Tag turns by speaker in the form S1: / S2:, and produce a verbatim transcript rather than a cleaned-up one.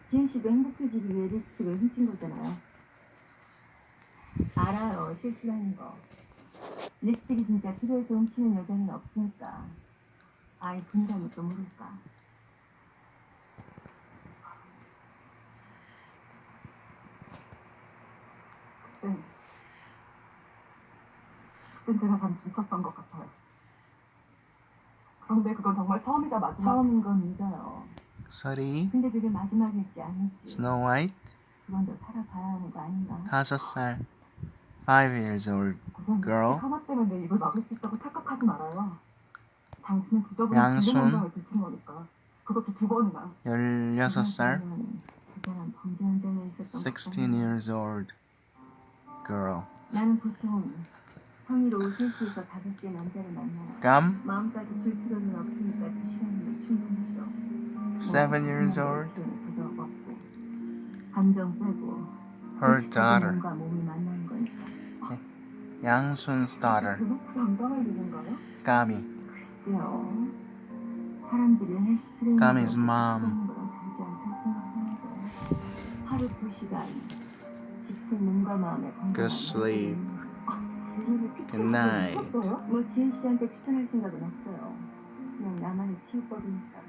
S1: 지은 씨도 행복해지기 위해 립스틱을 훔친 거잖아요. 알아요, 실수라는 거. 립스틱이 진짜 필요해서 훔치는 여자는 없으니까. 아이 분간이 또 모를까. 그땐, 그땐 제가 잠시 미쳤던 것 같아요. 그런데 그건 정말 처음이자 마지막. 처음인 건 믿어요.
S2: 서리,
S1: 근데 그게 마지막일지 아닐지.
S2: 스노우 화이트,
S1: 그건 더 살아봐야 하는 거 아닌가?
S2: 다섯 살, five years old
S1: 우선
S2: girl,
S1: 립스틱 하나 때문에 내 입을 막을 수 있다고 착각하지 말아요. 당신은 지저분한
S2: 양순.
S1: 빌린 현장을 들킨 거니까. 그것도 두 번이나.
S2: 열여섯 살,
S1: 그 사람 범죄 현장에 있었던
S2: sixteen
S1: 거잖아요.
S2: years old girl.
S1: 나는 보통 평일 오후 세 시에서 다섯 시에 남자를 만나요.
S2: 감,
S1: 마음까지 줄 필요는 없으니까 두 시간이면 충분하죠.
S2: seven years
S1: 뭐,
S2: old,
S1: 표현을 부담 없고 감정 빼고
S2: her
S1: 솔직하게
S2: daughter,
S1: 몸과 몸이 만나는 거니까.
S2: 양순's daughter,
S1: 대놓고 상담할 일인가요?
S2: 까미,
S1: 글쎄요. 사람들이 헬스 트레이닝
S2: 까미's mom.
S1: 하는 거랑 다르지 않다고 생각하는데 하루 두 시간 지친 몸과 마음의 건강을
S2: Good sleep.
S1: 분리를
S2: Good
S1: 피치하고
S2: night.
S1: 미쳤어요? 뭐 지은 씨한테 추천할 생각은 없어요. 그냥 나만의 치유법이니까.